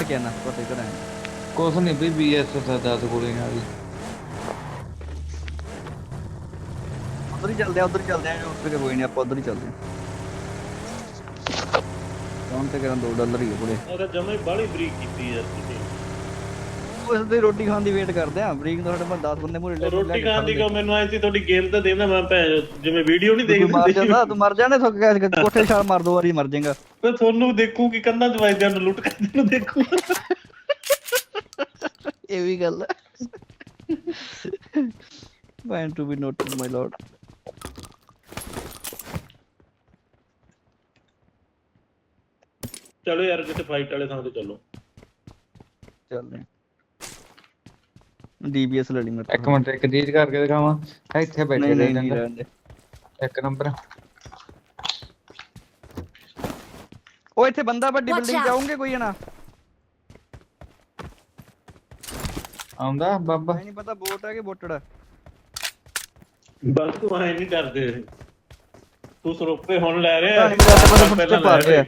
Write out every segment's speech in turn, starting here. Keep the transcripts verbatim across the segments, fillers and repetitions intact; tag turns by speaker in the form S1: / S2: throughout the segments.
S1: ਉੱਠ ਕੇ ਆਣਾ ਪਤਾ ਕਰਾਂ
S2: ਕੁਛ ਨਹੀਂ ਬਈ ਬੀਐਸ ਦਸ ਗੋਲੀ ਨਾਲ
S1: ਉਧਰ ਹੀ ਚੱਲਦੇ ਆ ਉਧਰ ਹੀ ਚੱਲਦੇ ਆ ਉੱਠ ਕੇ ਕੋਈ ਨਹੀਂ ਆਪਾਂ ਉਧਰ ਹੀ ਚੱਲਦੇ ਆ ਕੌਣ ਤੇ ਕਰਾਂ ਦੋ ਡਾਲਰ ਹੀ ਆ ਪੂਰੇ
S3: ਉਹਦਾ ਜਮਾ ਹੀ ਬਾਹਲੀ ਬਰੀਕ ਕੀਤੀ ਯਾਰ ਤੁਸੀਂ
S1: ਉਸ ਦੀ ਰੋਟੀ ਖਾਣ ਦੀ ਵੇਟ ਕਰਦੇ ਆ ਬਰੀਕ ਤੋਂ ਸਾਡੇ ਕੋਲ ਦਸ ਬੰਦੇ ਮੂਰੇ ਲੈ
S3: ਰੋਟੀ ਖਾਣ ਦੀ ਕੋ ਮੈਨੂੰ ਆਈ ਸੀ ਤੁਹਾਡੀ ਗੇਮ ਤਾਂ ਦੇਣਾ ਮੈਂ ਭੈਣ ਜਿਵੇਂ ਵੀਡੀਓ ਨਹੀਂ ਦੇਖਦਾ
S1: ਮਾਰ ਜਾਂਦਾ ਤੂੰ ਮਰ ਜਾਣੇ ਸੁੱਕ ਗਿਆ ਕੋਠੇ ਛਾਲ ਮਾਰ ਦੋ ਵਾਰੀ ਮਰ ਜਾਏਗਾ
S3: ਮੈਂ ਤੁਹਾਨੂੰ ਦੇਖੂ ਕਿ ਕੰਨਾਂ ਚ ਵੱਜਦਿਆਂ ਨੂੰ ਲੁੱਟ ਕਰਦੇ ਨੂੰ ਦੇਖੂ
S1: ਇਹ ਵੀ ਗੱਲ ਹੈ when to be noted my lord
S3: ਚਲੋ ਯਾਰ ਕਿਤੇ ਫਾਈਟ ਵਾਲੇ ਥਾਂ ਤੇ ਚੱਲੋ
S1: ਚੱਲਦੇ ਡੀਬੀਐਸ ਲੈ ਲਈ ਮੈਂ
S2: ਇੱਕ ਮਿੰਟ ਇੱਕ ਚੀਜ਼ ਕਰਕੇ ਦਿਖਾਵਾਂ ਇੱਥੇ ਬੈਠੇ
S1: ਨਹੀਂ
S2: ਰਹੇ
S1: ਰਹਿੰਦੇ
S2: ਇੱਕ ਨੰਬਰ
S1: ਉਹ ਇੱਥੇ ਬੰਦਾ ਵੱਡੀ ਬਿਲਡਿੰਗ ਜਾਉਂਗੇ ਕੋਈ ਨਾ
S2: ਆਉਂਦਾ ਬਾਬਾ
S1: ਨਹੀਂ ਪਤਾ ਬੋਟ ਹੈ ਕਿ ਬੋਟੜ
S3: ਬਸ ਤੂੰ ਐ ਨਹੀਂ ਡਰਦੇ ਤੂੰ ਸਰੋਪੇ ਹੁਣ ਲੈ ਰਿਹਾ
S1: ਨਹੀਂ ਪਤਾ ਪਹਿਲਾਂ ਪਾ ਰਿਹਾ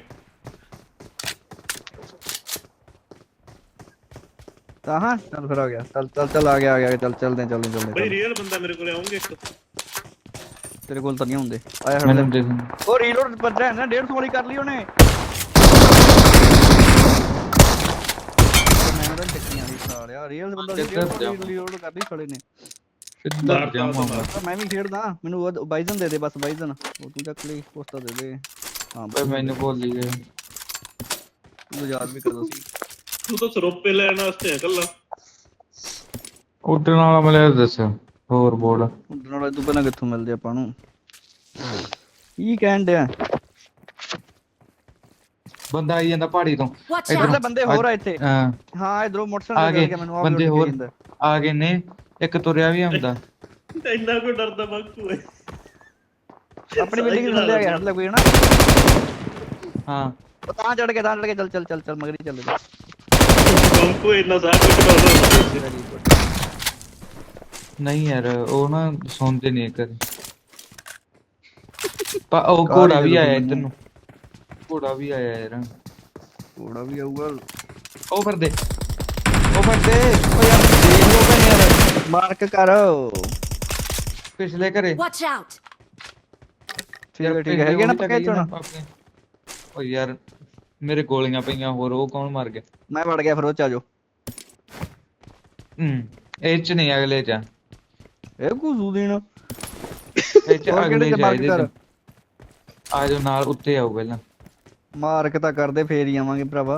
S1: ਤਾਂ ਹਾਂ ਚੱਲ ਫਿਰ ਆ ਗਿਆ ਚੱਲ ਚੱਲ ਚੱਲ ਆ ਗਿਆ ਆ ਗਿਆ ਚੱਲ ਚੱਲਦੇ ਚੱਲਦੇ ਚੱਲਦੇ
S3: ਬਈ ਰੀਅਲ ਬੰਦਾ ਮੇਰੇ ਕੋਲੇ ਆਉਂਗੇ ਇੱਕ
S1: ਤੇਰੇ ਕੋਲ ਤਾਂ ਨਹੀਂ ਹੁੰਦੇ ਆਇਆ ਹਟ
S2: ਮੈਨੂੰ ਦੇ
S1: ਉਹ ਰੀਲੋਡ ਪੱਜਾ ਹੈ ਨਾ ਡੇਢ ਸੌ ਵਾਲੀ ਕਰ ਲਈ ਉਹਨੇ ਮੈਂ ਤਾਂ ਟੱਕੀਆਂ ਦੀ ਖਾ ਲਿਆ ਰੀਅਲ ਬੰਦਾ ਰੀਲੋਡ ਕਰਦੀ ਖੜੇ ਨੇ
S2: ਸਿੱਧਾ ਜਾਵਾਂਗਾ
S1: ਮੈਂ ਵੀ ਖੇਡਦਾ ਮੈਨੂੰ ਉਹ ਬਾਈਜ਼ਨ ਦੇ ਦੇ ਬਸ ਬਾਈਜ਼ਨ ਉਹ ਤੂੰ ਚੱਕ ਲਈ ਪੋਸਟਾ ਦੇ ਦੇ ਹਾਂ
S2: ਬਈ ਮੈਨੂੰ ਭੁੱਲ ਹੀ ਗਏ
S1: ਤੂੰ ਯਾਦ ਵੀ ਕਰਦਾ ਸੀ
S3: ਤੂੰ ਤਾਂ ਸਰੋਪੇ ਲੈਣ ਵਾਸਤੇ ਆ ਕੱਲਾ
S2: ਉੱਡਣ ਵਾਲਾ ਮਿਲਿਆ ਦੱਸਿਓ ਹੋਰ ਬੋਲ
S1: ਉੱਡਣ ਵਾਲਾ ਤੂੰ ਪਹਿਲਾਂ ਕਿੱਥੋਂ ਮਿਲਦੇ ਆਪਾਂ ਨੂੰ ਕੀ ਕਹਿਣ ਡਿਆ
S2: ਬੰਦਾ ਆਈ ਜਾਂਦਾ ਪਹਾੜੀ ਤੋਂ
S1: ਇਧਰ ਬੰਦੇ ਹੋਰ ਆ ਇੱਥੇ
S2: ਹਾਂ
S1: ਹਾਂ ਇਧਰੋਂ ਮੋਟਰਸਾਈਕਲ ਲੈ ਕੇ ਮੈਨੂੰ
S2: ਬੰਦੇ ਹੋਰ ਆ ਗਏ ਨੇ ਇੱਕ ਤੁਰਿਆ ਵੀ ਆਉਂਦਾ
S3: ਇੰਨਾ ਕੋਈ ਡਰਦਾ ਬਾਕੂ ਹੈ
S1: ਆਪਣੀ ਬਿਲਡਿੰਗ ਥੱਲੇ ਆ ਗਿਆ ਹੱਥ ਲੈ ਕੋਈ ਨਾ
S2: ਹਾਂ
S1: ਤਾਂ ਚੜ ਕੇ ਤਾਂ ਚੜ ਕੇ ਚੱਲ ਚੱਲ ਚੱਲ ਚੱਲ ਮਗਰੀ ਚੱਲ
S3: ਬਾਕੂ ਇੰਨਾ ਸਾਰਾ ਕੁਝ ਕਰਦਾ
S2: ਨਹੀਂ ਯਾਰ ਉਹ ਨਾ ਸੌਂਦੇ ਨਹੀਂ ਕਦੇ ਪਾ ਉਹ ਘੋੜਾ ਵੀ ਆਇਆ ਇੱਧਰ ਨੂੰ ਘੋੜਾ ਵੀ ਆਇਆ ਯਾਰ
S1: ਘੋੜਾ ਵੀ ਆਊਗਾ
S2: ਉਹ ਫਿਰਦੇ ਉਹ ਫਿਰਦੇ ਉਹ ਯਾਰ ਦੇਖ ਲੋ ਭੈਣ ਯਾਰ
S1: ਮਾਰਕ ਕਰ
S2: ਪਿਛਲੇ ਘਰੇ
S4: ਵਾਚ ਆਊਟ
S1: ਠੀਕ ਹੈ ਠੀਕ ਹੈ ਹੈਗੇ ਨਾ ਪੱਕੇ ਚੋਣਾ
S2: ਓ ਯਾਰ ਮੇਰੇ ਗੋਲੀਆਂ ਪਈਆਂ ਹੋਰ ਉਹ ਕੌਣ ਮਰ ਗਿਆ
S1: ਮੈਂ ਵੜ ਗਿਆ ਫਿਰ ਉਹ ਚ ਆਜੋ
S2: ਹੂੰ ਇਹ ਚ ਨਹੀਂ ਅਗਲੇ ਚ
S1: ਇਹ ਕੁਜ਼ੂ ਦੇਣ
S2: ਇਹ ਚ ਅਗਲੇ ਚ ਇਹਦੇ ਆ ਜਾਓ ਨਾਲ ਉੱਤੇ ਆਓ ਪਹਿਲਾਂ
S1: ਮਾਰਕ ਤਾਂ ਕਰਦੇ ਫੇਰ ਹੀ ਆਵਾਂਗੇ ਭਰਾਵਾ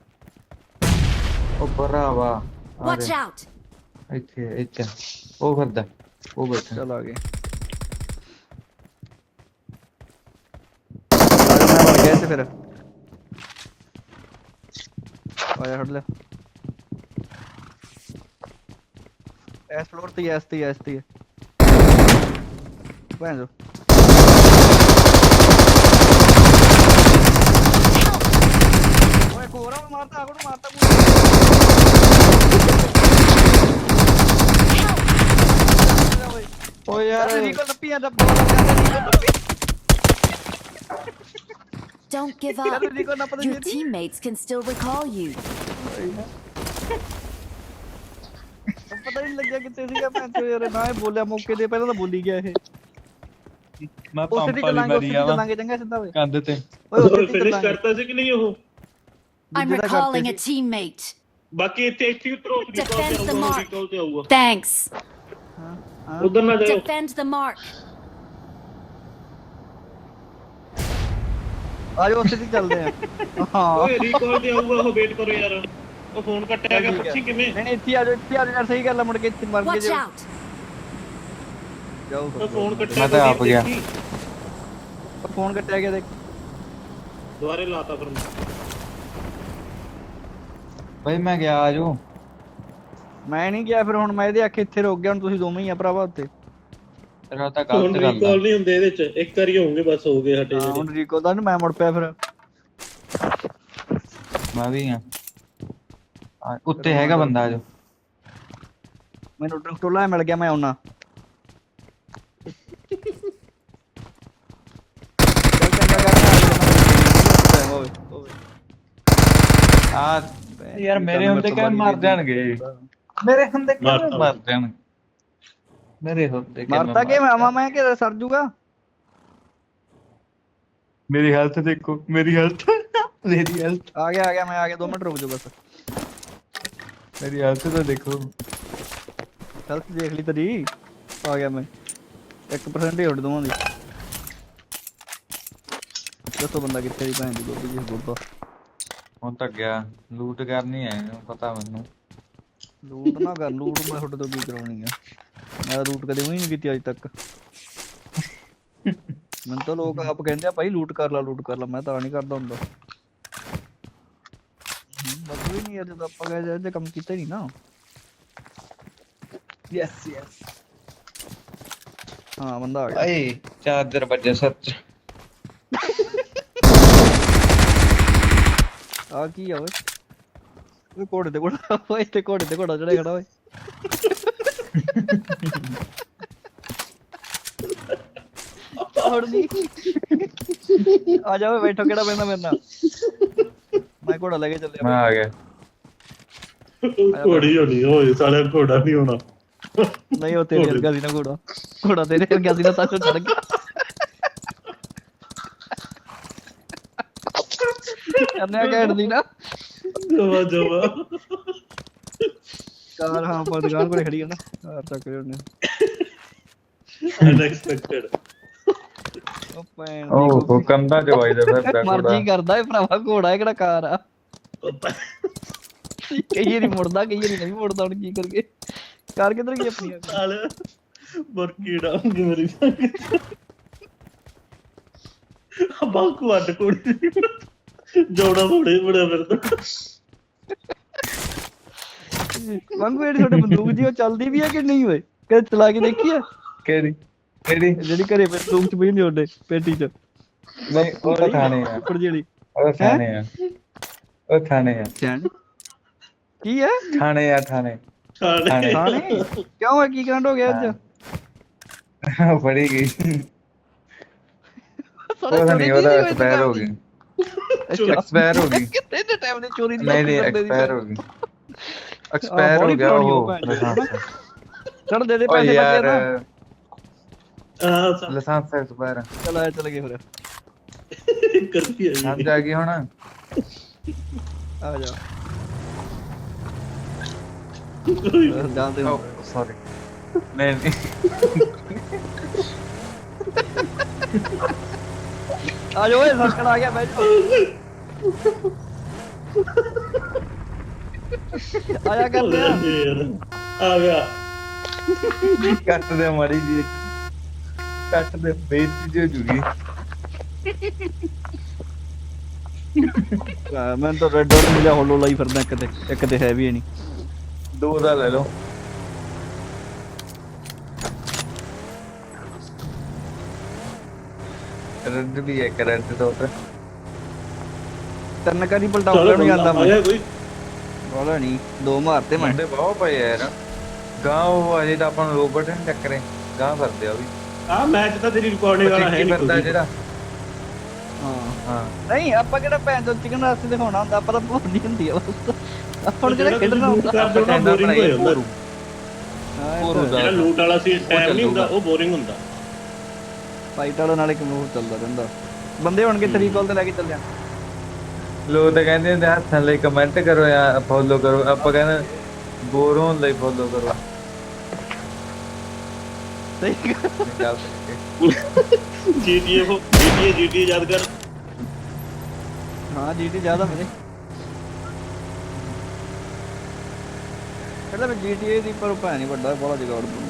S2: ਉਹ ਭਰਾਵਾ
S4: ਵਾਚ ਆਊਟ
S2: ਇੱਥੇ ਇੱਥੇ ਉਹ ਫਿਰਦਾ ਉਹ ਬੈਠਾ
S1: ਚੱਲ ਆ ਗਏ ਮੈਂ ਵੜ ਗਿਆ ਇੱਥੇ ਫਿਰ ਆਇਆ ਹਟ ਲੈ ਐਸ ਫਲੋਰ ਤੇ ਐਸ ਤੇ ਐਸ ਤੇ ਭੈਣ ਜੋ ਓਏ ਕੋਰਾ ਮਾਰਤਾ ਕੋਣ ਮਾਰਤਾ
S2: ਓ ਯਾਰ
S1: ਰੀਕੋ ਲੱਪੀਆਂ ਦਾ ਬੋਲ ਜਾਂਦਾ
S4: Don't give up. Your teammates can still recall you.
S1: ਪਤਾ ਨਹੀਂ ਲੱਗਿਆ ਕਿੱਥੇ ਸੀਗਾ ਮੈਂ ਤੇ ਯਾਰ ਨਾ ਬੋਲਿਆ ਮੌਕੇ ਤੇ ਪਹਿਲਾਂ ਤਾਂ ਬੋਲੀ ਗਿਆ ਇਹ
S2: ਮੈਂ
S1: ਉਸੇ ਦੀ
S2: ਪੰਪ ਵਾਲੀ ਮਾਰੀ ਆ
S1: ਚੱਲਾਂਗੇ ਚੰਗਾ ਸਿੱਧਾ ਓਏ
S2: ਕੰਧ ਤੇ
S1: ਓਏ ਉਸੇ ਦੀ
S3: ਫਿਨਿਸ਼
S1: ਚੱਲਾਂਗੇ
S3: ਕਰਤਾ ਸੀ ਕਿ ਨਹੀਂ ਉਹ
S4: I'm recalling a teammate.
S3: ਬਾਕੀ ਇੱਥੇ ਇੱਥੇ ਉਤਰੋ
S4: Defend the mark.
S3: ਰਿਕਾਲ ਤੇ ਆਊਗਾ
S4: Thanks.
S3: ਉਧਰ ਨਾ ਜਾਓ
S4: Defend the mark.
S1: ਆਜੋ ਉਸੇ ਦੀ ਚੱਲਦੇ ਆ ਹਾਂ
S3: ਓਏ ਰਿਕਾਲ ਤੇ ਆਊਗਾ ਉਹ ਵੇਟ ਕਰੋ ਯਾਰ ਉਹ ਫੋਨ ਕੱਟਿਆ ਗਿਆ ਪੁੱਛੀ ਕਿਵੇਂ
S1: ਨਹੀਂ ਨਹੀਂ ਇੱਥੇ ਆਜੋ ਇੱਥੇ ਆਜੋ ਯਾਰ ਸਹੀ ਗੱਲ ਆ ਮੁੜ ਕੇ ਇੱਥੇ ਮਰ ਕੇ
S4: Watch
S1: ਜਾਓ
S4: out.
S1: ਜਾਓ
S3: ਉਹ ਫੋਨ ਕੱਟਿਆ
S2: ਮੈਂ ਤਾਂ ਆਪ ਗਿਆ।
S1: ਫੋਨ ਕੱਟਿਆ ਗਿਆ ਦੇਖ
S3: ਦੁਬਾਰੇ ਲਾਤਾ ਫਿਰ
S2: ਬਈ ਮੈਂ ਗਿਆ ਆਜੋ
S1: ਮੈਂ ਨਹੀਂ ਗਿਆ ਫਿਰ ਹੁਣ ਮੈਂ ਇਹਦੇ ਆਖੇ ਇੱਥੇ ਰੁਕ ਗਿਆ ਹੁਣ ਤੁਸੀਂ ਦੋਵੇਂ ਹੀ ਆ ਭਰਾਵਾ ਉੱਤੇ
S2: ਤੇਰਾ ਤਾਂ
S3: ਹੁਣ
S2: ਗਲਤ ਗੱਲ
S3: ਰਿਕਾਲ ਨਹੀਂ ਹੁੰਦੇ ਇਹਦੇ ਚ ਇੱਕ ਵਾਰੀ ਹੋਣਗੇ ਬਸ ਹੋ ਗਏ ਹਟੇ
S1: ਹਾਂ ਹੁਣ ਰੀਕੋ ਦਾ ਮੈਂ ਮੁੜ ਪਿਆ ਫਿਰ
S2: ਮੈਂ ਵੀ ਆ ਉੱਤੇ ਹੈਗਾ ਬੰਦਾ ਆਜੋ
S1: ਮੈਨੂੰ ਟੋਲਾ ਮਿਲ ਗਿਆ ਮੈਂ ਆਉਣਾ
S2: ਆ ਯਾਰ ਮੇਰੇ ਹੁੰਦੇ ਕਿਵੇਂ ਮਰ ਜਾਣਗੇ ਮੇਰੇ ਹੁੰਦੇ ਕਿਵੇਂ
S3: ਮਾਰਤਾ।
S2: ਮਰ ਜਾਣਗੇ ਮੇਰੇ ਹੁੰਦੇ ਕਿਵੇਂ
S1: ਮਰਤਾ ਕਿ
S2: ਮਰ
S1: ਆਵਾਂ ਮੈਂ ਕਿ ਸਰ ਜੂਗਾ
S2: ਮੇਰੀ ਹੈਲਥ ਦੇਖੋ ਮੇਰੀ ਹੈਲਥ ਮੇਰੀ ਹੈਲਥ
S1: ਆ ਗਿਆ ਆ ਗਿਆ ਮੈਂ ਆ ਗਿਆ ਦੋ ਮਿੰਟ ਰੁਕ ਜਾ ਬਸ
S2: ਮੇਰੀ ਹੈਲਥ ਤਾਂ ਦੇਖੋ
S1: ਹੈਲਥ ਦੇਖ ਲਈ ਤੇਰੀ ਆ ਗਿਆ ਮੈਂ ਇੱਕ ਪਰਸੈਂਟ ਹੀ ਉੱਡ ਦੋਵਾਂ ਦੀ ਦੱਸੋ ਬੰਦਾ ਕਿੱਥੇ ਦੀ ਭੈਣ ਦੀ ਗੋਦੀ ਜਿਸ ਗੋਦਾ
S2: ਹੁਣ ਤੱਕ ਗਿਆ ਲੂਟ ਕਰਨੀ ਹੈ ਪਤਾ ਮੈਨੂੰ
S1: ਲੂਟ ਨਾ ਕਰ ਲੂਟ ਮੈਂ ਤੁਹਾਡੇ ਤੋਂ ਕੀ ਕਰਾਉਣੀ ਆ ਮੈਂ ਲੂਟ ਕਦੇ ਵੀ ਨਹੀਂ ਕੀਤੀ ਅੱਜ ਤੱਕ ਮੈਨੂੰ ਤਾਂ ਲੋਕ ਆਪ ਕਹਿੰਦੇ ਆ ਭਾਈ ਲੂਟ ਕਰ ਲਾ ਲੂਟ ਕਰ ਲਾ ਮੈਂ ਤਾਂ ਨਹੀਂ ਕਰਦਾ ਹੁੰਦਾ ਮਤਲਬ ਹੀ ਨਹੀਂ ਯਾਰ ਜਦੋਂ ਆਪਾਂ ਗਏ ਜੇ ਕੰਮ ਕੀਤਾ ਹੀ ਨਹੀਂ ਨਾ ਯੈਸ ਯੈਸ ਹਾਂ ਬੰਦਾ ਆ ਗਿਆ
S2: ਏ ਚਾਰਜਰ ਵੱਜਿਆ ਸੱਚ
S1: ਆ ਕੀ ਆ ਓਏ ਓਏ ਘੋੜੇ ਤੇ ਘੋੜਾ ਓਏ ਇੱਥੇ ਘੋੜੇ ਤੇ ਘੋੜਾ ਚੜਿਆ ਖੜਾ ਓਏ ਹੋਰ ਨਹੀਂ ਆ ਜਾ ਓਏ ਬੈਠੋ ਕਿਹੜਾ ਪੈਂਦਾ ਮੇਰੇ ਨਾਲ ਮੈਂ ਘੋੜਾ ਲੈ ਕੇ ਚੱਲਿਆ
S2: ਮੈਂ ਆ ਗਿਆ
S3: ਘੋੜੀ ਹੋਣੀ ਓਏ ਸਾਲਿਆ ਘੋੜਾ ਨਹੀਂ ਹੋਣਾ
S1: ਨਹੀਂ ਉਹ ਤੇਰੇ ਵਰਗਾ ਸੀ ਨਾ ਘੋੜਾ ਘੋੜਾ ਤੇਰੇ ਵਰਗਾ ਸੀ ਨਾ ਤਾਂ ਚੜ ਗਿਆ ਕਰਨਿਆ ਕਹਿਣ ਦੀ ਨਾ
S3: ਜਵਾ ਜਵਾ
S1: ਕਾਰ ਹਾਂ ਪਰ ਦੁਕਾਨ ਕੋਲੇ ਖੜੀ ਹੈ ਨਾ ਕਾਰ ਚੱਕ ਰਹੇ ਉਹਨੇ
S3: ਅਨਐਕਸਪੈਕਟਡ
S1: ਉਹ ਭੈਣ
S2: ਉਹ ਉਹ ਕੰਦਾ ਚ ਵੱਜਦਾ ਫਿਰਦਾ
S1: ਮਰਜ਼ੀ ਕਰਦਾ ਏ ਭਰਾਵਾ ਘੋੜਾ ਹੈ ਕਿਹੜਾ ਕਾਰ ਆ ਕਈ ਵਾਰੀ ਮੁੜਦਾ ਕਈ ਵਾਰੀ ਨਹੀਂ ਮੁੜਦਾ ਹੁਣ ਕੀ ਕਰੀਏ ਕਾਰ ਕਿੱਧਰ ਗਈ ਆਪਣੀ
S3: ਸਾਲਿਆ ਬਰਕੀ ਡਾਉਂਗੇ ਮੇਰੀ ਬਾਕੂ ਅੱਡ ਕੋੜੀ ਜੋੜਾ ਬੜੇ ਬੜਾ ਫਿਰਦਾ
S1: ਵਾਂਗੂ ਜਿਹੜੀ ਤੁਹਾਡੇ ਬੰਦੂਕ ਜੀ ਉਹ ਚੱਲਦੀ ਵੀ ਹੈ ਕਿ ਨਹੀਂ ਓਏ ਕਦੇ ਚਲਾ ਕੇ ਦੇਖੀ ਆ
S2: ਕਿਹੜੀ ਕਿਹੜੀ
S1: ਜਿਹੜੀ ਘਰੇ ਬੰਦੂਕ ਚ ਪਈ ਹੁੰਦੀ ਉਹਦੇ ਪੇਟੀ ਚ
S2: ਨਹੀਂ ਉਹ ਤਾਂ ਥਾਣੇ ਆ
S1: ਉੱਪਰ ਜਿਹੜੀ
S2: ਉਹ ਥਾਣੇ ਆ ਉਹ ਥਾਣੇ ਆ
S1: ਚੈਨ ਕੀ ਹੈ
S2: ਥਾਣੇ ਆ ਥਾਣੇ
S3: ਖਾਣੇ
S1: ਥਾਣੇ ਕਿਉਂ ਹੈ ਕੀ ਕਾਂਡ ਹੋ ਗਿਆ ਅੱਜ
S2: ਫੜੀ ਗਈ ਉਹ ਨਹੀਂ ਉਹਦਾ ਐਕਸਪਾਇਰ ਹੋ ਗਈ ਐਕਸਪਾਇਰ ਹੋ ਗਈ
S1: ਕਿੰਨੇ ਦੇ ਟਾਈਮ ਦੀ ਚੋਰੀ ਦੀ
S2: ਨਹੀਂ ਨਹੀਂ ਐਕਸਪਾਇਰ ਹੋ ਗਈ ਐਕਸਪਾਇਰ ਹੋ ਗਿਆ ਉਹ
S1: ਚੜ ਦੇ ਦੇ
S2: ਓ
S1: ਪੈਸੇ
S2: ਯਾਰ
S1: ਬੱਚੇ ਨਾ
S3: ਆ
S2: ਲਾਇਸੈਂਸ ਐਕਸਪਾਇਰ
S1: ਚਲ ਆਇਆ ਚਲ ਗਏ ਫਿਰ
S3: ਕਰਤੀ ਹੈ
S2: ਸਮਝ ਆ ਗਈ ਹੁਣ
S1: ਆ ਜਾ ਜਾਣਦੇ ਹੋ
S2: ਸੌਰੀ ਨਹੀਂ ਨਹੀਂ
S1: ਆ ਜਾ ਓਏ ਸਰਕਣ ਆ ਗਿਆ ਬੈਠ ਆਇਆ ਕਰਦੇ ਆ
S3: ਆ ਗਿਆ
S2: ਕੱਟ ਦੇ ਮਾੜੀ ਜੀ ਕੱਟ ਦੇ ਬੇਇੱਜ਼ਤੀ ਜੋ ਜੁਗੀ
S1: ਮੈਂ ਤਾਂ ਰੈੱਡ ਡਾਟ ਮਿਲਿਆ ਹੋਲੋ ਲਾਈ ਫਿਰਦਾ ਇੱਕ ਤੇ ਇੱਕ ਤੇ ਹੈ ਵੀ ਨਹੀਂ
S2: ਦੋ ਦਾ ਲੈ ਲਓ ਰੈਡ ਵੀ ਹੈ ਕਰੰਟ ਤੋਂ ਤੇ
S1: ਤਰਨ ਕਰੀ ਪਲਟਾਉਣਾ ਨਹੀਂ ਆਂਦਾ ਮੈਂ
S3: ਆਇਆ ਕੋਈ
S1: ਬੋਲਾ ਨਹੀਂ ਦੋ ਮਾਰਤੇ ਮੈਂ
S2: ਮੁੰਡੇ ਬਹੁਤ ਪਏ ਯਾਰ ਗਾਂ ਉਹ ਅਜੇ ਤਾਂ ਆਪਾਂ ਨੂੰ ਰੋਬਟ ਨਹੀਂ ਟੱਕਰੇ ਗਾਂ ਫਿਰਦੇ ਆ ਉਹ ਵੀ
S3: ਆ ਮੈਚ ਤਾਂ ਤੇਰੀ ਰਿਕਾਰਡਿੰਗ ਵਾਲਾ ਹੈ
S2: ਫਿਰਦਾ
S3: ਨਹੀਂ
S2: ਜਿਹੜਾ
S1: ਹਾਂ
S2: ਹਾਂ
S1: ਨਹੀਂ ਆਪਾਂ ਕਿਹੜਾ ਭੈਣ ਤੋਂ ਚਿਕਨ ਰਾਸਤੇ ਦਿਖਾਉਣਾ ਹੁੰਦਾ ਆਪਾਂ ਤਾਂ ਭੁੱਲੀ ਹੁੰਦੀ ਆ ਬਸ ਆਪਾਂ ਨੂੰ ਜਿਹੜਾ ਖੇਡਣਾ ਹੁੰਦਾ
S3: ਕਰਦੇ ਉਹਨਾਂ ਬੋਰਿੰਗ ਹੋ ਜਾਂਦਾ
S1: ਹਾਂ
S2: ਹੋਰ ਹੁੰਦਾ
S3: ਜਿਹੜਾ ਲੂਟ ਵਾਲਾ ਸੀ ਟਾਈਮ ਨਹੀਂ ਹੁੰਦਾ ਉਹ ਬੋਰਿੰਗ ਹੁੰਦਾ
S1: ਫਾਈਟ ਵਾਲਾ ਨਾਲ ਇੱਕ ਮੂਵ ਚੱਲਦਾ ਰਹਿੰਦਾ ਬੰਦੇ ਹੋਣਗੇ ਥਰੀ ਕਾਲ ਤੇ ਲੈ ਕੇ ਚੱਲ ਜਾ
S2: ਲੋਕ ਤਾਂ ਕਹਿੰਦੇ ਹੁੰਦੇ ਹੱਥਾਂ ਲਈ ਕਮੈਂਟ ਕਰੋ ਜਾਂ ਫੋਲੋ ਕਰੋ ਆਪਾਂ ਕਹਿੰਦੇ ਬੋਰ ਹੋਣ ਲਈ ਫੋਲੋ ਕਰੋ
S1: ਸਹੀ
S2: ਗੱਲ
S3: ਜੀਟੀਏ ਉਹ ਜੀਟੀਏ ਜੀਟੀਏ ਯਾਦ ਕਰ
S1: ਹਾਂ ਜੀਟੀ ਜ਼ਿਆਦਾ ਮੇਰੇ ਪਹਿਲਾਂ ਮੈਂ ਜੀਟੀਏ ਦੀ ਪਰ ਭੈਣ ਨਹੀਂ ਵੱਡਾ ਬੜਾ ਜਗਾੜ ਬਣੂਗਾ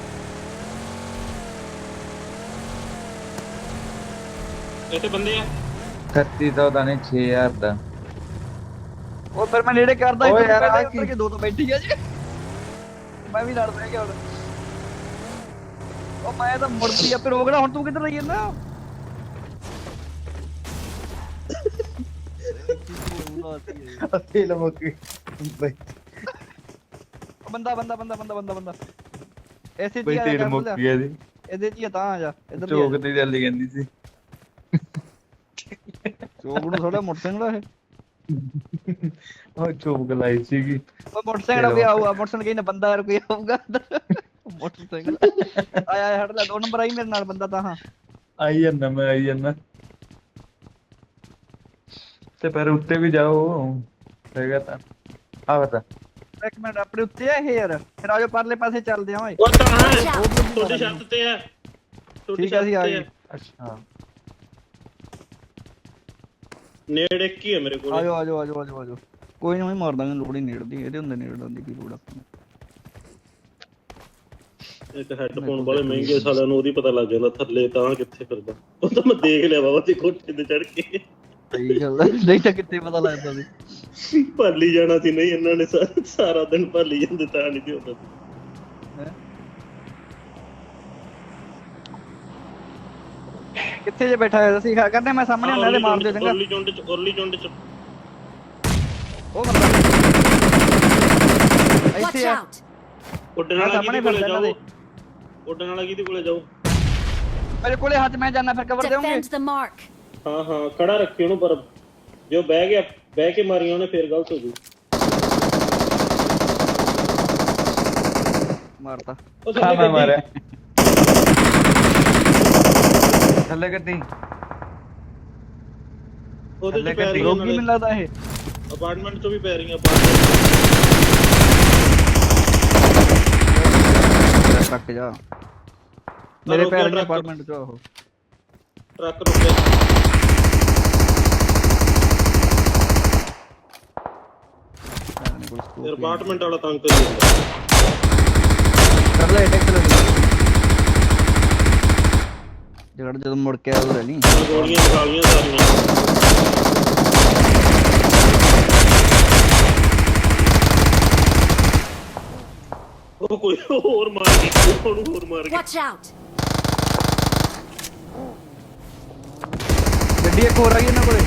S3: ਇੱਥੇ ਬੰਦੇ ਆ
S2: ਛੱਤੀ ਸੌ ਦਾ ਨਹੀਂ ਛੇ ਹਜ਼ਾਰ ਦਾ
S1: ਉਹ ਫਿਰ ਮੈਂ ਨੇੜੇ ਕਰਦਾ
S2: ਓਏ
S1: ਇੱਕ
S2: ਯਾਰ,
S1: ਪਹਿਲਾਂ
S2: ਆਹ
S1: ਉੱਤਰ ਕੇ ਦੋ ਤੋਂ ਬੈਠੀ ਆ ਜੀ ਮੈਂ ਵੀ ਲੜ ਪੈ ਗਿਆ ਹੁਣ ਉਹ ਮੈਂ ਤਾਂ ਮੁੜਦੀ ਆ ਫਿਰ ਰੋਕਣਾ ਹੁਣ ਤੂੰ ਕਿੱਧਰ ਰਹੀ ਜਾਂਦਾ
S2: ਤੇਲ ਮੁੱਕੀ ਬਈ
S1: ਬੰਦਾ ਬੰਦਾ ਬੰਦਾ ਬੰਦਾ ਬੰਦਾ ਬੰਦਾ ਐਸੇ
S2: ਬਈ
S1: ਜੀ ਆ
S2: ਤੇਲ
S1: ਜਾ
S2: ਮੁੱਕੀ ਆ ਜੀ
S1: ਇਹਦੇ ਚ ਹੀ ਆ ਤਾਂ ਆ ਜਾ ਇੱਧਰ ਦੀ ਆ
S2: ਚੌਕ ਤੇ ਚੱਲੀ ਜਾਂਦੀ ਸੀ
S1: ਚੋਕ ਨੂੰ ਥੋੜਾ ਮੋਟਰਸਾਈਕਲ ਆ ਇਹ
S2: ਉਹ ਚੁੱਪ ਗਲਾਈ ਸੀਗੀ
S1: ਉਹ ਮੋਟਰਸਾਈਕਲ ਹੋ ਗਿਆ ਆਊਗਾ ਮੋਟਰਸਾਈਕਲ ਕਹੀਂ ਨਾ ਬੰਦਾ ਯਾਰ ਕੋਈ ਆਊਗਾ ਮੋਟਰਸਾਈਕਲ ਆਇਆ ਆਇਆ ਹਟ ਲੈ ਦੋ ਨੰਬਰ ਆਈ ਮੇਰੇ ਨਾਲ ਬੰਦਾ ਤਾਂ ਹਾਂ
S2: ਆਈ ਜਾਂਦਾ ਮੈਂ ਆਈ ਜਾਂਦਾ ਤੇ ਪਰ ਉੱਤੇ ਵੀ ਜਾਓ ਹੈਗਾ ਤਾਂ ਆ ਬਤਾ
S1: ਇੱਕ ਮਿੰਟ ਆਪਣੇ ਉੱਤੇ ਆ ਇਹ ਯਾਰ ਫਿਰ ਆਜੋ ਪਰਲੇ ਪਾਸੇ ਚੱਲਦੇ ਆ ਓਏ
S3: ਉਹ ਤਾਂ ਹੈ ਤੁਹਾਡੀ ਛੱਤ ਤੇ ਆ ਤੁਹਾਡੀ
S1: ਠੀਕ ਆ
S3: ਛੱਤ
S1: ਅਸੀਂ ਆ
S3: ਤੇ
S1: ਗਏ
S3: ਆ
S2: ਅੱਛਾ
S3: ਨੇੜੇ ਕੀ ਹੈ ਮੇਰੇ ਕੋਲ
S1: ਆਜੋ ਆਜੋ ਆਜੋ ਆਜੋ ਆਜੋ ਕੋਈ ਨਹੀਂ ਮਾਰ ਦਾਂਗੇ ਲੋੜ ਹੀ ਨੇੜਦੀ ਇਹਦੇ ਹੁੰਦੇ ਨੇੜਨ ਦੀ ਕੀ ਲੋੜ ਆਪਾਂ ਨੂੰ
S3: ਇੱਕ ਹੈੱਡਫੋਨ ਵਾਲੇ ਮਹਿੰਗੇ ਸਾਲਿਆਂ ਨੂੰ ਉਹਦੀ ਪਤਾ ਲੱਗ ਜਾਂਦਾ ਥੱਲੇ ਤਾਂ ਕਿੱਥੇ ਫਿਰਦਾ ਉਹ ਤਾਂ ਮੈਂ ਦੇਖ ਲਿਆ ਬਾਬਾ ਤੇ ਕੋਠੇ ਤੇ ਚੜ ਕੇ
S1: ਸਹੀ ਗੱਲ ਹੈ ਨਹੀਂ ਤਾਂ ਕਿੱਥੇ ਪਤਾ ਲੱਗਦਾ ਸੀ
S3: ਭਾਲੀ ਜਾਣਾ ਸੀ ਨਹੀਂ ਇਹਨਾਂ ਨੇ ਸਾ- ਸਾਰਾ ਦਿਨ ਭਾਲੀ ਜਾਂਦੇ ਤਾਂ ਨਹੀਂ ਤੇ ਹੁੰਦਾ
S1: ਹੈਂ? ਕਿੱਥੇ ਜੇ ਬੈਠਾ ਹੋਇਆ ਸੀ ਕਹਿੰਦੇ ਮੈਂ ਸਾਹਮਣੇ ਹੁੰਦਾ ਤੇ ਮਾਰ ਦਿਓ ਚੰਗਾ
S3: ਉਰਲੀ ਚੁੰਡ ਚ ਉਰਲੀ ਚੁੰਡ ਚ
S1: ਉਹ ਬੰਦਾ
S4: Watch
S1: ਇੱਥੇ ਆ
S4: out!
S3: ਉੱਡਣ
S1: ਮੈਂ
S3: ਵਾਲਾ
S1: ਸਾਹਮਣੇ
S3: ਕਿਹਦੇ ਕੋਲੇ
S1: ਫਿਰਦਾ ਇਹਨਾਂ
S3: ਜਾਓ ਉੱਡਣ ਵਾਲਾ ਕਿਹਦੇ ਕੋਲੇ ਜਾਓ
S1: ਮੇਰੇ ਕੋਲੇ ਹੱਥ ਮੈਂ ਜਾਣਾ ਫਿਰ ਕਵਰ ਦੇਉਂਗੇ
S4: Defend the mark.
S3: ਹਾਂ ਹਾਂ ਖੜਾ ਰੱਖੀ ਉਹਨੂੰ ਪਰ ਜੋ ਬਹਿ ਗਿਆ ਬਹਿ ਕੇ ਮਾਰੀ ਉਹਨੇ ਫੇਰ ਗਲਤ ਹੋ ਗਈ
S1: ਮਾਰਤਾ
S3: ਉਹ
S2: ਹਾਂ
S3: ਥੱਲੇ
S2: ਮੈਂ
S3: ਗੱਡੀ
S2: ਮਾਰਿਆ ਥੱਲੇ ਗੱਡੀ
S3: ਉਹਦੇ
S2: ਥੱਲੇ
S3: ਚ ਪੈ ਰਹੀਆਂ
S1: ਰੋਗੀ ਮੈਨੂੰ ਲੱਗਦਾ ਇਹ
S3: ਅਪਾਰਟਮੈਂਟ ਚੋਂ ਵੀ ਪੈ ਰਹੀਆਂ
S1: ਟੱਕ ਜਾ ਮੇਰੇ ਪੈਰ ਦੇ ਅਪਾਰਟਮੈਂਟ ਚ ਉਹ
S3: ਟਰੱਕ ਰੁਕਿਆ ਯਾਰ ਅਪਾਰਟਮੈਂਟ ਵਾਲਾ ਤੰਗ ਕਰੀ ਜਾਂਦਾ
S1: ਕਰ ਲੈ ਟੈਕਸ ਲੈ ਜਿਹੜਾ ਜਦੋਂ ਮੁੜ ਕੇ ਆਉ ਲੈ ਲਈ
S3: ਆਹ ਗੋਲੀਆਂ ਨਿਕਾਲੀਆਂ ਸਾਰੀਆਂ ਉਹ ਕੋਈ ਹੋਰ ਮਾਰ ਗਿਆ ਉਹਨੂੰ ਹੋਰ ਮਾਰ ਗਿਆ
S4: Watch out!
S1: ਗੱਡੀ ਇੱਕ ਹੋਰ ਆਈ ਇਹਨਾਂ ਕੋਲੇ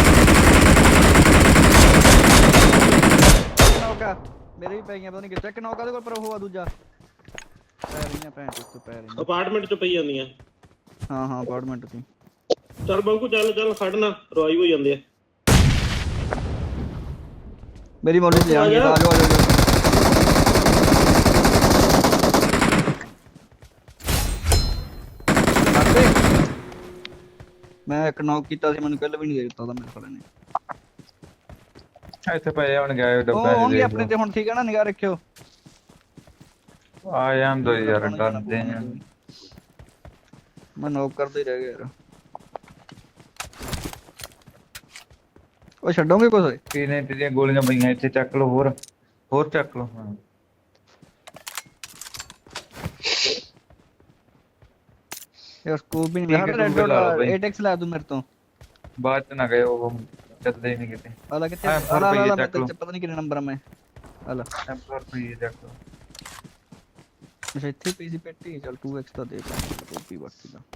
S1: ਨੌਕਾ ਮੇਰੇ ਵੀ ਪੈ ਗਈਆਂ ਪਤਾ ਨਹੀਂ ਕਿੱਥੇ ਇੱਕ ਨੌਕਾ ਦੇ ਕੋਲ ਪਰ ਉਹ ਆ ਦੂਜਾ ਪੈ ਰਹੀਆਂ ਭੈਣ ਚੋਦ ਪੈ ਰਹੀਆਂ
S3: ਅਪਾਰਟਮੈਂਟ ਚ ਪਈ ਜਾਂਦੀਆਂ
S1: ਹਾਂ ਹਾਂ ਅਪਾਰਟਮੈਂਟ ਤੇ
S3: ਚੱਲ ਬੰਕੂ ਚੱਲ ਚੱਲ ਖੜਨਾ ਰਵਾਈ ਹੋ ਜਾਂਦੇ ਆ
S1: ਮੇਰੀ ਮੋਲੀ ਤੇ ਜਾਣਗੇ ਆ ਜਾਓ ਆ ਜਾਓ ਮੈਂ ਇੱਕ ਨੌਕ ਕੀਤਾ ਸੀ ਮੈਨੂੰ ਕੱਲ ਵੀ ਨਹੀਂ ਦੇ ਦਿੱਤਾ ਉਹਦਾ ਮੇਰੇ ਸਾਲੇ ਨੇ
S2: ਇੱਥੇ ਪਏ ਹੁਣ ਗਏ
S1: ਉਹ
S2: ਡੱਬਾ
S1: ਹੋਣਗੇ ਆਪਣੇ ਤੇ ਹੁਣ ਠੀਕ ਹੈ ਨਾ ਨਿਗਾਹ ਰੱਖਿਓ
S2: ਆ ਜਾਂਦੇ ਯਾਰ ਡਰਦੇ ਆ
S1: ਮੈਂ ਨੌਕ ਕਰਦੇ ਹੀ ਰਹਿ ਗਿਆ ਯਾਰ ਉਹ ਛੱਡੋਗੇ ਕੁਛ
S2: ਕਿਨੇ ਤੇਰੀਆਂ ਗੋਲੀਆਂ ਪਈਆਂ ਇੱਥੇ ਚੱਕ ਲਓ ਹੋਰ ਹੋਰ ਚੱਕ ਲਓ ਹਾਂ
S1: ਯਾਰ ਸਕੂਪ ਵੀ
S2: ਠੀਕ
S1: ਨਹੀਂ
S2: ਹੈ,
S1: ਮੈਂ ਰੈਡ
S2: ਤੂੰ ਲਾ ਲਓ
S1: ਡਾਟ
S2: ਬਈ।
S1: ਏਟ ਐਕਸ ਲੈ ਦੂੰ ਮੇਰੇ ਤੋਂ
S2: ਬਾਅਦ ਚ ਨਾ ਗਏ ਉਹ ਚੱਲਦੇ ਹੀ ਨਹੀਂ ਕਿਤੇ
S1: ਆਲਾ ਕਿੱਥੇ
S2: ਹਾਂ,
S1: ਆਲਾ
S2: ਰੁਪਈਏ
S1: ਆਲਾ
S2: ਚੱਕ ਲਓ।
S1: ਪਤਾ ਨਹੀਂ ਕਿੰਨੇ ਨੰਬਰ ਆ ਮੈਂ ਆਲਾ
S2: ਟੈਂਪਰ ਪਈ ਚੱਕ ਲਓ
S1: ਅੱਛਾ ਇੱਥੇ ਪਈ ਸੀ ਪੈਟੀ ਚੱਲ ਟੂ ਐਕਸ ਦਾ ਦੇ ਕਾਪੀ ਬਾਕੀ ਦਾ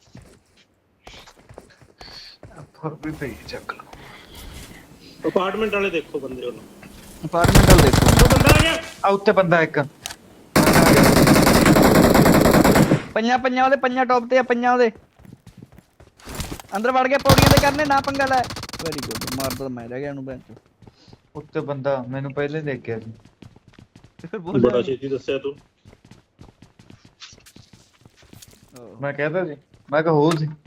S2: ਟੈਂਪਰ ਵੀ ਪਈ ਚੱਕ ਲਓ
S3: ਅਪਾਰਟਮੈਂਟ ਵਾਲੇ ਦੇਖੋ ਬੰਦੇ ਉਹਨੂੰ
S1: ਅਪਾਰਟਮੈਂਟ ਵਾਲ ਦੇਖੋ
S3: ਉਹ ਬੰਦਾ ਆ ਗਿਆ
S2: ਆ ਉੱਤੇ ਬੰਦਾ ਇੱਕ
S1: ਪੰਜਾਂ ਪੰਜਾਂ ਉਹਦੇ ਪੰਜਾਂ ਟੌਪ ਤੇ ਆ ਪੰਜਾਂ ਉਹਦੇ ਅੰਦਰ ਵੜ ਕੇ ਪੌੜੀਆਂ ਤੇ ਕਰਨੇ ਨਾ ਪੰਗਾ ਲੈ ਵੈਰੀ ਗੁੱਡ ਮਾਰਦਾ ਤਾਂ ਮੈਂ ਰਹਿ ਗਿਆ ਉਹਨੂੰ ਬੈਂਚ
S2: ਉੱਤੇ ਬੰਦਾ ਮੈਨੂੰ ਪਹਿਲੇ ਦੇਖ ਗਿਆ ਸੀ
S1: ਫਿਰ
S3: ਬੜਾ ਛੇਤੀ ਦੱਸਿਆ ਤੂੰ
S2: ਮੈਂ ਕਹਿੰਦਾ ਸੀ ਮੈਂ ਕਿਹਾ ਹੋ ਸੀ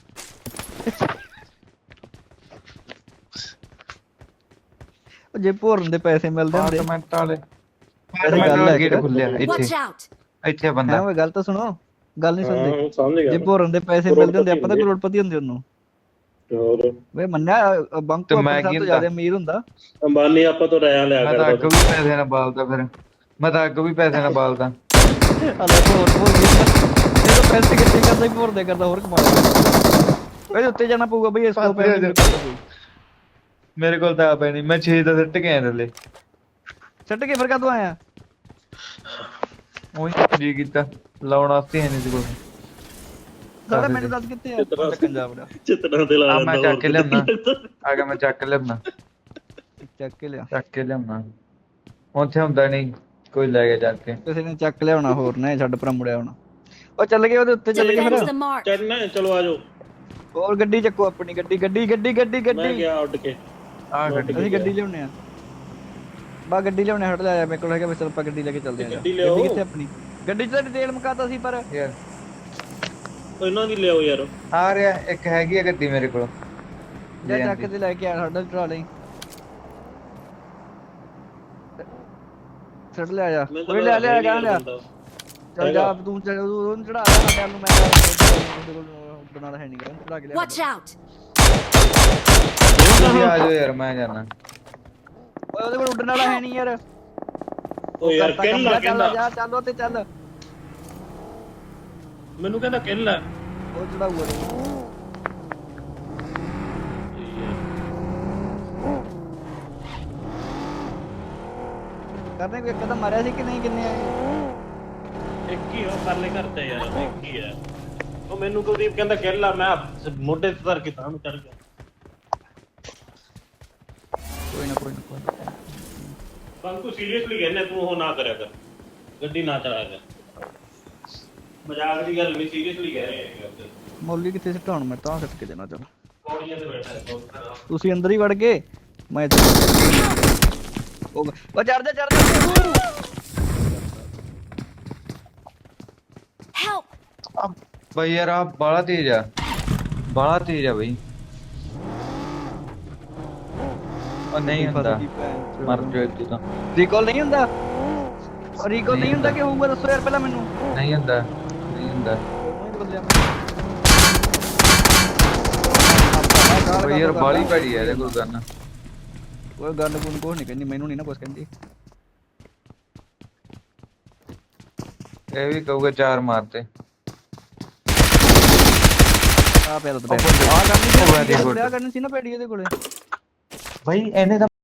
S1: ਜੇ ਭੋਰਨ ਦੇ ਪੈਸੇ ਮਿਲਦੇ ਹੁੰਦੇ
S2: ਅਪਾਰਟਮੈਂਟ ਵਾਲੇ
S1: ਗੱਲ ਹੈ
S2: ਅਪਾਰਟਮੈਂਟ ਗੇਟ ਖੁੱਲਿਆ
S4: Watch
S2: ਇੱਥੇ
S4: out!
S2: ਇੱਥੇ ਬੰਦਾ
S1: ਹੈ ਉਹ ਗੱਲ ਤਾਂ ਸੁਣੋ ਗੱਲ ਨਹੀਂ ਸੁਣਦੇ
S3: ਹਾਂ ਸਮਝ ਗਿਆ
S1: ਜੇ ਭੋਰਨ ਦੇ ਪੈਸੇ ਮਿਲਦੇ ਹੁੰਦੇ ਆਪਾਂ ਤਾਂ ਕਰੋੜਪਤੀ ਹੁੰਦੇ ਉਹਨੂੰ
S3: ਹੋਰ
S1: ਵੇ ਮੰਨਿਆ ਬੰਕ
S2: ਤੇ
S1: ਤੋਂ
S2: ਮੈਂ
S1: ਆਪਣੇ ਸਭ
S2: ਕੀ
S1: ਤੋਂ
S2: ਹੁੰਦਾ?
S1: ਜ਼ਿਆਦਾ ਅਮੀਰ ਹੁੰਦਾ
S3: ਅੰਬਾਨੀ ਆਪਾਂ ਤੋਂ ਰਾਇਆ ਲਿਆ
S2: ਮੈਂ ਤਾਂ ਅੱਗ
S3: ਕਰਦਾ
S2: ਵੀ ਪੈਸੇ ਨਾਲ ਬਾਲਦਾ ਫਿਰ ਮੈਂ ਤਾਂ ਅੱਗ ਵੀ ਪੈਸੇ ਨਾਲ ਬਾਲਦਾ
S1: ਅਲੇ ਭੋਰ ਭੋਰ ਇਹ ਤਾਂ ਪੈਸੇ ਕਿੱਥੇ ਕਰਦਾ ਹੀ ਭੋਰ ਦੇ ਕਰਦਾ ਹੋਰ ਕਮਾਉਂਦਾ ਇਹਦੇ ਉੱਤੇ ਜਾਣਾ ਪਊਗਾ ਬਈ ਇਸ ਤੋਂ ਪੈਸੇ
S2: ਮੇਰੇ ਕੋਲ ਤਾਂ ਆ ਪੈਣੀ ਮੈਂ ਛੇ ਦਾ ਸਿੱਟ ਕੇ ਆਇਆ ਥੱਲੇ
S1: ਛੱਡ ਕੇ ਫਿਰ ਕਦੋਂ ਆਇਆ
S2: ਉਹੀ ਜੀ ਕੀਤਾ ਲਾਉਣ ਵਾਸਤੇ ਹੈ ਨਹੀਂ ਸੀ ਕੋਲ
S1: ਸਾਡਾ ਮੈਨੂੰ ਦੱਸ ਕਿੱਥੇ ਆ ਪੰਜਾਬ ਦਾ
S3: ਚਿੱਤੜਾਂ ਤੇ ਲਾ
S2: ਆ ਮੈਂ
S3: ਲੈਂਦਾ
S2: ਚੱਕ ਕੇ ਲਿਆਉਣਾ ਆ ਗਿਆ ਮੈਂ ਚੱਕ ਲਿਆਉਣਾ
S1: ਚੱਕ ਕੇ ਲਿਆ
S2: ਚੱਕ ਕੇ ਲਿਆਉਣਾ ਉੱਥੇ ਹੁੰਦਾ ਨਹੀਂ ਕੋਈ ਲੈ ਗਿਆ ਚੱਕ ਕੇ
S1: ਕਿਸੇ ਨੇ ਚੱਕ ਲਿਆਉਣਾ ਹੋਰ ਨਾ ਛੱਡ ਪਰਾਂ ਮੁੜਿਆ ਹੋਣਾ ਉਹ ਚੱਲ ਗਏ ਉਹਦੇ ਉੱਤੇ ਚੱਲ ਗਏ
S4: Defend
S1: ਫਿਰ
S4: the mark.
S3: ਚੜਨਾ ਚਲੋ ਆ ਜਾਓ
S1: ਹੋਰ ਗੱਡੀ ਚੱਕੋ ਆਪਣੀ ਗੱਡੀ ਗੱਡੀ ਗੱਡੀ ਗੱਡੀ
S3: ਮੈਂ
S1: ਗੱਡੀ
S3: ਗਿਆ ਉੱਡ ਕੇ
S2: ਆ ਗੱਡੀ
S1: ਅਸੀਂ ਗੱਡੀ ਲਿਆਉਣੇ ਆ ਬਾ ਗੱਡੀ ਲਿਆਉਣੇ ਹਟ ਲਿਆ ਮੇਰੇ ਕੋਲ ਹੈਗਾ ਬਸ ਆਪਾਂ ਗੱਡੀ ਲੈ ਕੇ ਚੱਲਦੇ ਆ
S3: ਗੱਡੀ ਲਿਆਓ।
S1: ਕਿੱਥੇ ਆਪਣੀ ਗੱਡੀ 'ਚ ਤਾਂ ਤੇਲ ਮੁਕਾਤਾ ਸੀ ਪਰ
S2: ਯਾਰ
S3: ਇਹਨਾਂ ਦੀ ਲਿਆਓ ਯਾਰ
S2: ਆ ਰਿਹਾ ਇੱਕ ਹੈਗੀ ਆ ਗੱਡੀ ਮੇਰੇ ਕੋਲ
S1: ਜਾ ਚੱਕ ਤੇ ਲੈ ਕੇ ਆ ਸਾਡਾ ਚੜਾ ਲਈ ਛੱਡ ਲਿਆ ਜਾ
S3: ਮੈਂ ਤਾਂ
S1: ਕੋਈ ਲੈ ਲਿਆ ਗਾ ਲਿਆ
S3: ਬੰਦਾ।
S1: ਚੱਲ ਜਾ ਤੂੰ ਚੜ ਉਹਨੂੰ ਚੜਾ ਲੈ ਸਾਡੇ ਨੂੰ ਮੈਂ ਉਹਦੇ ਕੋਲ ਬਣਾ ਹੈ ਨਹੀਂ ਗਾ ਚੜਾ ਕੇ ਲਿਆ
S4: Watch out!
S2: ਤੁਸੀਂ ਆ ਜਾਓ ਯਾਰ ਮੈਂ ਜਾਣਾ
S1: ਓਏ ਉਹਦੇ ਕੋਲ ਉੱਡਣ ਵਾਲਾ ਹੈ ਨਹੀਂ ਯਾਰ
S3: ਓ ਯਾਰ
S1: ਕਰਤਾ
S3: ਕਿੱਲ
S1: ਕੰਮ,
S3: ਲਾ
S1: ਚੱਲ
S3: ਕਹਿੰਦਾ
S1: ਜਾ ਚੱਲ ਤੇ ਚੱਲ
S3: ਮੈਨੂੰ ਕਹਿੰਦਾ ਕਿੱਲ ਆ
S1: ਉਹ ਚੜਾਊਗਾ ਕਰਨੇ ਕੋਈ ਕਦਮ ਮਾਰਿਆ ਸੀ ਕਿ ਨਹੀਂ ਕਿੰਨੇ ਆਏ
S3: ਇੱਕ ਹੀ ਉਹ ਪਰਲੇ ਘਰ ਤੇ ਯਾਰ ਇੱਕ ਹੀ ਹੈ ਉਹ ਮੈਨੂੰ ਕੁਲਦੀਪ ਕਹਿੰਦਾ ਕਿੱਲ ਆ ਮੈਂ ਮੋਢੇ ਤੇ ਧਰ ਕੇ ਤਾਂ ਨੂੰ ਚੜ ਗਿਆ
S1: ਕੋਈ ਨਾ ਕੋਈ ਨਾ ਕੋਈ ਨਾ
S3: ਬੰਕੂ ਸੀਰੀਅਸਲੀ ਕਹਿੰਦਾ ਤੂੰ ਉਹ ਨਾ ਕਰਿਆ ਕਰ ਗੱਡੀ ਨਾ ਚਲਾ ਕਰ ਮਜ਼ਾਕ ਦੀ ਗੱਲ ਨਹੀਂ ਸੀਰੀਅਸਲੀ ਕਹਿ ਰਹੇ ਹਾਂ
S1: ਮੌਲੀ ਕਿੱਥੇ ਸਿੱਟਾਉਣ ਮੈਂ ਤਾਂ ਸਿੱਟ ਕੇ ਦੇਣਾ ਚੱਲ
S3: ਪੌੜੀਆਂ ਤੇ ਬੈਠਾ ਹੈ
S1: ਤੁਸੀਂ ਅੰਦਰ ਹੀ ਵੜ ਗਏ ਮੈਂ ਇੱਥੇ ਉਹ ਉਹ ਚੜ ਜਾ ਚੜ ਜਾ
S4: Help!
S2: ਬਈ ਯਾਰ ਆ ਬਾਲਾ ਤੇਜ਼ ਆ ਬਾਲਾ ਤੇਜ਼ ਆ ਬਈ ਉਹ ਨਹੀਂ ਹੁੰਦਾ ਮਰ ਜਾਓ ਤੂੰ ਤਾਂ
S1: ਰੀਕਾਲ ਨਹੀਂ ਹੁੰਦਾ ਰੀਕਾਲ ਨਹੀਂ ਹੁੰਦਾ ਕਿ ਹੋਊਗਾ ਦੱਸੋ ਯਾਰ ਪਹਿਲਾਂ ਮੈਨੂੰ
S2: ਨਹੀਂ ਹੁੰਦਾ ਨਹੀਂ ਹੁੰਦਾ ਬਈ ਯਾਰ ਬਾਲੀ ਭੜੀ ਆ ਇਹਦੇ ਕੋਲ ਗਨ
S1: ਉਹ ਗੱਲ ਗੁਣ ਕੋਹ ਨਹੀਂ ਕਹਿੰਦੀ ਮੈਨੂੰ ਨਹੀਂ ਨਾ ਕੁਛ ਕਹਿੰਦੀ
S2: ਇਹ ਵੀ ਕਹੂਗਾ ਚਾਰ ਮਾਰਤੇ
S1: ਆ ਪਿਆ ਤਾਂ ਆ ਕਰਨੀ ਸੀ ਆ ਕਰਨੀ ਸੀ ਨਾ ਪੈੜੀ ਇਹਦੇ ਕੋਲੇ
S2: ਭਾਈ ਇਹਨੇ ਤਾਂ